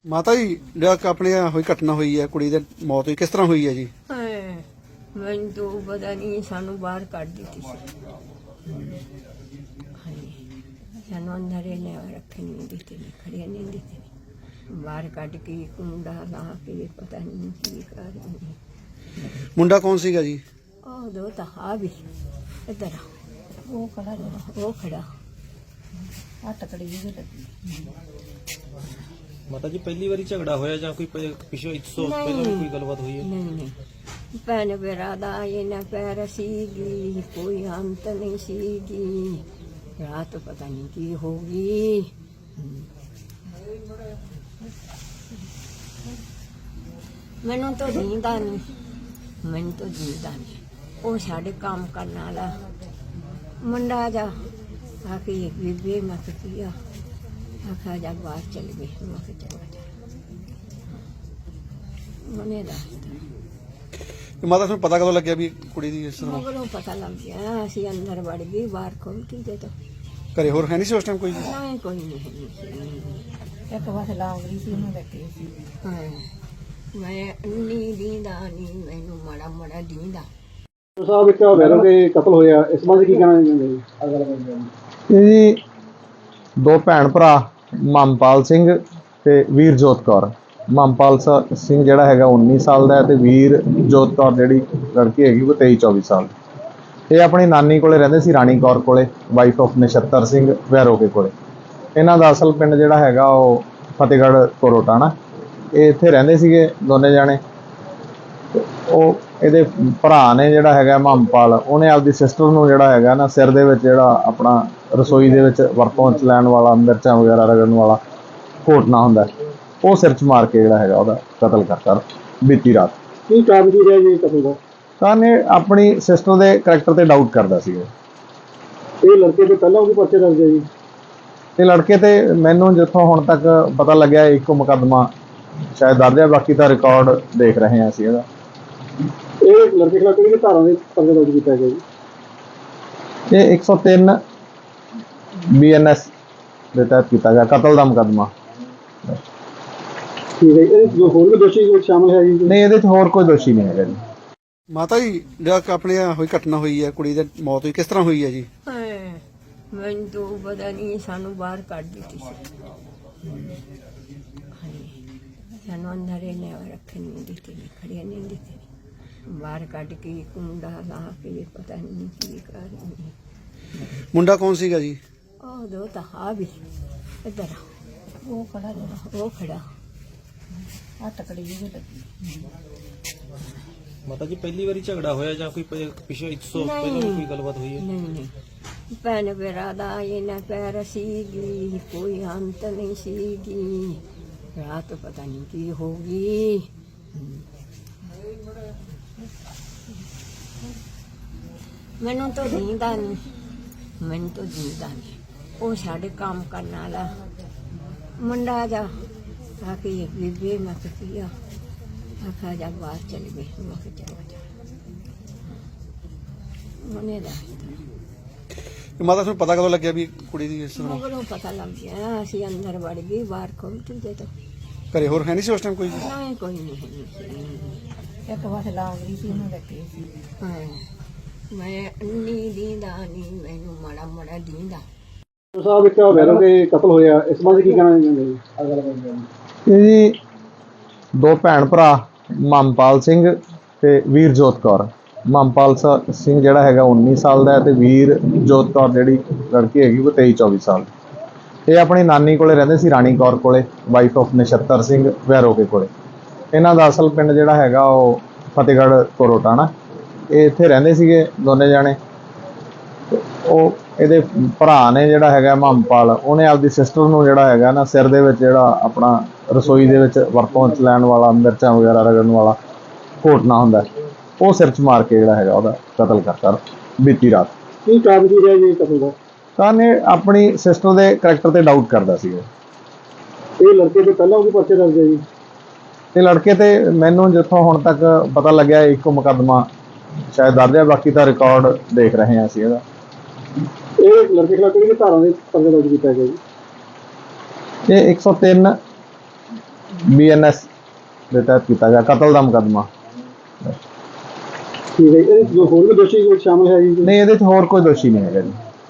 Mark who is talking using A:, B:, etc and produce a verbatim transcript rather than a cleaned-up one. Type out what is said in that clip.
A: ਮਾਤਾ ਜੀ ਜਿਹੜਾ ਆਪਣੇ ਹੋਈ ਘਟਨਾ ਹੋਈ ਹੈ, ਕੁੜੀ ਦੀ ਮੌਤ ਹੋਈ, ਕਿਸ ਤਰ੍ਹਾਂ ਹੋਈ ਹੈ ਜੀ?
B: ਹਾਏ, ਮੈਨੂੰ ਤਾਂ ਪਤਾ ਨਹੀਂ, ਸਾਨੂੰ ਬਾਹਰ ਕੱਢ ਦਿੱਤੀ ਸੀ। ਹਾਏ, ਸਾਨੂੰ ਅੰਦਰ ਇਹਨੇ ਰੱਖੇ ਨਹੀਂ ਦਿੱਤੇ, ਨਹੀਂ ਖੜਿਆ ਨਹੀਂ ਦਿੱਤੇ, ਬਾਹਰ ਕੱਢ ਕੇ ਕੁੰਡਾ ਲਾ ਕੇ ਪਤਾ ਨਹੀਂ ਕੀ ਕਰ ਰਹੀ।
A: ਮੁੰਡਾ ਕੌਣ ਸੀਗਾ ਜੀ?
B: ਉਹ ਦੋ ਤਾਂ ਆ ਵੀ ਇੱਧਰ ਆ, ਉਹ ਖੜਾ ਜਿਹੜਾ, ਉਹ ਖੜਾ ਆ ਟਕੜੀ ਜਿਹੀ ਲੱਗੀ।
C: ਮਾਤਾ ਜੀ ਪਹਿਲੀ ਵਾਰੀ ਝਗੜਾ ਹੋਇਆ ਜਾਂ ਕੋਈ ਪ- ਪਿਛੇ ਇੱਕ ਸੌ ਪਹਿਲਾਂ ਵੀ ਕੋਈ ਗੱਲਬਾਤ ਹੋਈ ਹੈ?
B: ਨਹੀਂ ਨਹੀਂ, ਭੈਣ ਮੇਰਾ ਦਾ ਇਹਨਾਂ ਪੈਰ ਸੀਗੀ, ਕੋਈ ਅੰਤ ਨਹੀਂ ਸੀਗੀ, ਰਾਤ ਪਤਾ ਨਹੀਂ ਕੀ ਹੋ ਗਈ। ਮੈਨੂੰ ਤਾਂ ਜੀਂਦਾ ਨਹੀਂ, ਮੈਨੂੰ ਤਾਂ ਜੀਂਦਾ ਨਹੀਂ। ਉਹ ਸਾਡੇ ਕੰਮ ਕਰਨ ਵਾਲਾ ਮੁੰਡਾ ਜਾ ਆ ਕੇ ਬੀਬੀ ਮੈਂ ਕਿਹਾ ਆਖਾ ਜਾ ਬਾਹਰ ਚਲ ਗਈ, ਮੈਂ ਕਿਹਾ ਚਲੋ ਜਾ ਉਹਨੇ ਦੱਸਤਾ।
A: ਮਾਤਾ ਤੁਹਾਨੂੰ ਪਤਾ ਕਦੋਂ ਲੱਗਿਆ ਵੀ ਕੁੜੀ ਦੀ ਇਸ ਤਰ੍ਹਾਂ?
B: ਮਗਰੋਂ ਪਤਾ ਲੱਗ ਗਿਆ, ਅਸੀਂ ਅੰਦਰ ਵੜ ਗਏ, ਬਾਹਰ ਖੋਲ ਕੇ ਦੇ ਤੋਂ
A: ਘਰੇ ਹੋਰ ਹੈ ਨਹੀਂ ਸੀ ਉਸ ਟਾਈਮ ਕੋਈ?
B: ਨਹੀਂ ਕੋਈ ਨਹੀਂ।
D: ਇੱਕ ਵਾਰ ਲਾਉਂਦੀ ਸੀ ਉਹਨੂੰ ਰੱਖੀ ਸੀ।
B: ਹਾਂ, ਮੈਂ ਅੰਨੀ ਦੀਂਦਾ ਨਹੀਂ, ਮੈਨੂੰ ਮਾੜਾ ਮਾੜਾ ਦੀਂਦਾ।
A: ਸਾਹਿਬ ਇੱਕ ਵੈਰੋ ਦੇ ਕਤਲ ਹੋਇਆ, ਇਸ ਬਾਰੇ ਕੀ ਕਹਿਣਾ ਚਾਹੁੰਦੇ ਜੀ?
E: ਇਹ ਜੀ ਦੋ ਭੈਣ ਭਰਾ ਮਮਪਾਲ ਸਿੰਘ ਤੇ ਵੀਰਜੋਤ ਕੌਰ। ਮਮਪਾਲ ਸ- ਸਿੰਘ ਜਿਹੜਾ ਹੈਗਾ ਉੱਨੀ ਸਾਲ ਦਾ ਹੈ ਤੇ ਵੀਰਜੋਤ ਕੌਰ ਜਿਹੜੀ ਲੜਕੀ ਹੈਗੀ ਉਹ ਤੇਈ ਚੌਵੀ ਸਾਲ ਦੀ। ਇਹ ਆਪਣੀ ਨਾਨੀ ਕੋਲੇ ਰਹਿੰਦੇ ਸੀ, ਰਾਣੀ ਕੌਰ ਕੋਲੇ, ਵਾਈਫ ਆਫ ਨਛੱਤਰ ਸਿੰਘ ਵੈਰੋਕੇ ਕੋਲੇ। ਇਹਨਾਂ ਦਾ ਅਸਲ ਪਿੰਡ ਜਿਹੜਾ ਹੈਗਾ ਉਹ ਫਤਿਹਗੜ੍ਹ ਕੋਰੋਟਾਣਾ। ਇਹ ਇੱਥੇ ਰਹਿੰਦੇ ਸੀਗੇ ਦੋਨੇ ਜਾਣੇ। ਉਹ ਇਹਦੇ ਭਰਾ ਨੇ ਜਿਹੜਾ ਹੈਗਾ ਮਮਪਾਲ, ਉਹਨੇ ਆਪਦੀ ਸਿਸਟਰ ਨੂੰ ਜਿਹੜਾ ਹੈਗਾ ਨਾ ਸਿਰ ਦੇ ਵਿੱਚ ਜਿਹੜਾ ਆਪਣਾ ਰਸੋਈ ਦੇ ਵਿੱਚ ਵਰਤੋਂ 'ਚ ਲੈਣ ਵਾਲਾ ਮਿਰਚਾਂ ਵਗੈਰਾ ਰਗੜਨ ਵਾਲਾ ਘੋਟਣਾ ਹੁੰਦਾ, ਉਹ ਸਿਰ 'ਚ ਮਾਰ ਕੇ ਜਿਹੜਾ ਹੈਗਾ ਉਹਦਾ ਕਤਲ ਕਰਤਾ ਬੀਤੀ ਰਾਤ।
A: ਕੀ ਕਾਰਨ ਕੀ ਰਿਹਾ ਜੀ ਕਤਲ ਦਾ?
E: ਤਾਂ ਇਹ ਆਪਣੀ ਸਿਸਟਰ ਦੇ ਕਰੈਕਟਰ ਤੇ ਡਾਊਟ ਕਰਦਾ ਸੀ।
A: ਇਹ ਲੜਕੇ ਤੋਂ ਪਹਿਲਾਂ ਉਹਦੇ ਪਰਚੇ ਦਰਜ ਹੈ ਜੀ?
E: ਤੇ ਲੜਕੇ ਤੇ ਮੈਨੂੰ ਜਿੱਥੋਂ ਹੁਣ ਤੱਕ ਪਤਾ ਲੱਗਿਆ ਇੱਕੋ ਮੁਕੱਦਮਾ ਸ਼ਾਇਦ ਦਰਜ ਹੈ, ਬਾਕੀ ਤਾਂ ਰਿਕਾਰਡ ਦੇਖ ਰਹੇ ਹਾਂ ਅਸੀਂ ਇਹਦਾ।
A: ਇਹ ਲੜਕੇ ਖਿਲਾਫ ਕਿਹੜੀ ਧਾਰਾ ਦੇ ਪਰਚਾ ਦਰਜ ਕੀਤਾ ਗਿਆ ਜੀ?
E: ਇਹ ਇੱਕ ਸੌ ਤਿੰਨ ਬੀ ਐਨ ਐਸ ਦੇ ਤਹਿਤ ਕੀਤਾ ਗਿਆ ਕਤਲ ਦਾ ਮੁਕੱਦਮਾ।
A: ਠੀਕ ਹੈ, ਇਹਦੇ ਵਿੱਚ ਹੋਰ ਵੀ ਦੋਸ਼ੀ ਕੋਈ ਸ਼ਾਮਲ ਹੈ ਜੀ?
E: ਨਹੀਂ, ਇਹਦੇ 'ਚ ਹੋਰ ਕੋਈ ਦੋਸ਼ੀ ਨਹੀਂ ਹੈਗਾ ਜੀ।
A: ਮਾਤਾ ਜੀ ਜਿਹੜਾ ਆਪਣੇ ਹੋਈ ਘਟਨਾ ਹੋਈ ਹੈ, ਕੁੜੀ ਦੀ ਮੌਤ ਹੋਈ, ਕਿਸ ਤਰ੍ਹਾਂ ਹੋਈ ਹੈ ਜੀ?
B: ਹਾਏ, ਮੈਨੂੰ ਤਾਂ ਪਤਾ ਨਹੀਂ, ਸਾਨੂੰ ਬਾਹਰ ਕੱਢ ਦਿੱਤੀ ਸੀ। ਹਾਏ, ਸਾਨੂੰ ਅੰਦਰ ਇਹਨੇ ਰੱਖੇ ਨਹੀਂ ਦਿੱਤੇ, ਨਹੀਂ ਖੜਿਆ ਨਹੀਂ ਦਿੱਤੇ, ਬਾਹਰ ਕੱਢ ਕੇ ਕੁੰਡਾ ਲਾ ਕੇ ਪਤਾ ਨਹੀਂ ਕੀ ਕਰ ਰਹੀ।
A: ਮੁੰਡਾ ਕੌਣ ਸੀਗਾ ਜੀ?
B: ਉਹ ਦੋ ਤਾਂ ਆ ਵੀ ਇੱਧਰ ਆ,
D: ਉਹ ਖੜਾ ਜਿਹੜਾ,
B: ਉਹ ਖੜਾ
D: ਆ ਟਕੜੀ ਜਿਹੀ ਲੱਗੀ।
C: ਮਾਤਾ ਜੀ ਪਹਿਲੀ ਵਾਰੀ ਝਗੜਾ ਹੋਇਆ ਜਾਂ ਕੋਈ ਪ- ਪਿਛੇ ਇੱਕ ਸੌ ਪਹਿਲਾਂ ਵੀ ਕੋਈ ਗੱਲਬਾਤ ਹੋਈ ਹੈ?
B: ਨਹੀਂ ਨਹੀਂ, ਭੈਣ ਮੇਰਾ ਦਾ ਇਹਨਾਂ ਪੈਰ ਸੀਗੀ, ਕੋਈ ਅੰਤ ਨਹੀਂ ਸੀਗੀ, ਰਾਤ ਪਤਾ ਨਹੀਂ ਕੀ ਹੋ ਗਈ। ਮੈਨੂੰ ਤਾਂ ਜੀਂਦਾ ਨਹੀਂ, ਮੈਨੂੰ ਤਾਂ ਜੀਂਦਾ ਨਹੀਂ। ਉਹ ਸਾਡੇ ਕੰਮ ਕਰਨ ਵਾਲਾ ਮੁੰਡਾ ਜਾ ਆ ਕੇ ਬੀਬੀ ਮੈਂ ਕਿਹਾ ਆਖਾ ਜਾ ਬਾਹਰ ਚਲ ਗਈ, ਮੈਂ ਕਿਹਾ ਚਲੋ ਜਾ ਉਹਨੇ ਦੱਸਤਾ।
A: ਮਾਤਾ ਤੁਹਾਨੂੰ ਪਤਾ ਕਦੋਂ ਲੱਗਿਆ ਵੀ ਕੁੜੀ ਦੀ ਇਸ ਤਰ੍ਹਾਂ?
B: ਮਗਰੋਂ ਪਤਾ ਲੱਗ ਗਿਆ, ਅਸੀਂ ਅੰਦਰ ਵੜ ਗਏ, ਬਾਹਰ ਖੋਲ ਕੇ ਦੇ ਤੋਂ
A: ਘਰੇ ਹੋਰ ਹੈ ਨਹੀਂ ਸੀ ਉਸ ਟਾਈਮ ਕੋਈ?
B: ਨਹੀਂ ਕੋਈ ਨਹੀਂ।
D: ਇੱਕ ਵਾਰ ਲਾਉਂਦੀ ਸੀ ਉਹਨੂੰ ਰੱਖੀ ਸੀ।
B: ਹਾਂ, ਮੈਂ ਅੰਨੀ ਦੀਂਦਾ ਨਹੀਂ, ਮੈਨੂੰ ਮਾੜਾ ਮਾੜਾ ਦੀਂਦਾ।
A: ਸਾਹਿਬ ਇੱਕ ਵੈਰੋ ਦੇ ਕਤਲ ਹੋਇਆ, ਇਸ ਬਾਰੇ ਕੀ ਕਹਿਣਾ ਚਾਹੁੰਦੇ ਜੀ?
E: ਇਹ ਜੀ ਦੋ ਭੈਣ ਭਰਾ ਮਮਪਾਲ ਸਿੰਘ ਤੇ ਵੀਰਜੋਤ ਕੌਰ। ਮਮਪਾਲ ਸ- ਸਿੰਘ ਜਿਹੜਾ ਹੈਗਾ ਉੱਨੀ ਸਾਲ ਦਾ ਹੈ ਤੇ ਵੀਰਜੋਤ ਕੌਰ ਜਿਹੜੀ ਲੜਕੀ ਹੈਗੀ ਉਹ ਤੇਈ ਚੌਵੀ ਸਾਲ ਦੀ। ਇਹ ਆਪਣੀ ਨਾਨੀ ਕੋਲੇ ਰਹਿੰਦੇ ਸੀ, ਰਾਣੀ ਕੌਰ ਕੋਲੇ, ਵਾਈਫ ਆਫ ਨਛੱਤਰ ਸਿੰਘ ਵੈਰੋਕੇ ਕੋਲੇ। ਇਹਨਾਂ ਦਾ ਅਸਲ ਪਿੰਡ ਜਿਹੜਾ ਹੈਗਾ ਉਹ ਫਤਿਹਗੜ੍ਹ ਕੋਰੋਟਾਣਾ। ਇਹ ਇੱਥੇ ਰਹਿੰਦੇ ਸੀਗੇ ਦੋਨੇ ਜਾਣੇ। ਉਹ ਇਹਦੇ ਭਰਾ ਨੇ ਜਿਹੜਾ ਹੈਗਾ ਮਮਪਾਲ, ਉਹਨੇ ਆਪਦੀ ਸਿਸਟਰ ਨੂੰ ਜਿਹੜਾ ਹੈਗਾ ਨਾ ਸਿਰ ਦੇ ਵਿੱਚ ਜਿਹੜਾ ਆਪਣਾ ਰਸੋਈ ਦੇ ਵਿੱਚ ਵਰਤੋਂ 'ਚ ਲੈਣ ਵਾਲਾ ਮਿਰਚਾਂ ਵਗੈਰਾ ਰਗੜਨ ਵਾਲਾ ਘੋਟਣਾ ਹੁੰਦਾ, ਉਹ ਸਿਰ 'ਚ ਮਾਰ ਕੇ ਜਿਹੜਾ ਹੈਗਾ ਉਹਦਾ ਕਤਲ ਕਰਤਾ ਬੀਤੀ ਰਾਤ।
A: ਕੀ ਕਾਰਨ ਕੀ ਰਿਹਾ ਜੀ ਕਤਲ ਦਾ?
E: ਤਾਂ ਇਹ ਆਪਣੀ ਸਿਸਟਰ ਦੇ ਕਰੈਕਟਰ ਤੇ ਡਾਊਟ ਕਰਦਾ ਸੀ।
A: ਇਹ ਲੜਕੇ ਤੋਂ ਪਹਿਲਾਂ ਉਹਦੇ ਪਰਚੇ ਦਰਜ ਹੈ ਜੀ?
E: ਤੇ ਲੜਕੇ ਤੇ ਮੈਨੂੰ ਜਿੱਥੋਂ ਹੁਣ ਤੱਕ ਪਤਾ ਲੱਗਿਆ ਇੱਕੋ ਮੁਕੱਦਮਾ ਸ਼ਾਇਦ ਦਰਜ ਹੈ, ਬਾਕੀ ਤਾਂ ਰਿਕਾਰਡ ਦੇਖ ਰਹੇ ਹਾਂ ਅਸੀਂ ਇਹਦਾ।
A: ਇਹ ਲੜਕੇ ਖਿਲਾਫ ਕਿਹੜੀ ਧਾਰਾ ਦੇ ਪਰਚਾ ਦਰਜ ਕੀਤਾ ਗਿਆ ਜੀ?
E: ਇਹ ਇੱਕ ਸੌ ਤਿੰਨ ਬੀ ਐਨ ਐਸ ਦੇ ਤਹਿਤ ਕੀਤਾ ਗਿਆ, ਕਤਲ ਦਾ ਮੁਕੱਦਮਾ।
A: ਠੀਕ ਹੈ ਜੀ। ਇਹਦੇ 'ਚ ਜੋ ਹੋਰ ਵੀ ਦੋਸ਼ੀ ਕੋਈ ਸ਼ਾਮਲ ਹੈ ਜੀ?
E: ਨਹੀਂ, ਇਹਦੇ 'ਚ ਹੋਰ ਕੋਈ ਦੋਸ਼ੀ ਨਹੀਂ ਹੈਗਾ ਜੀ।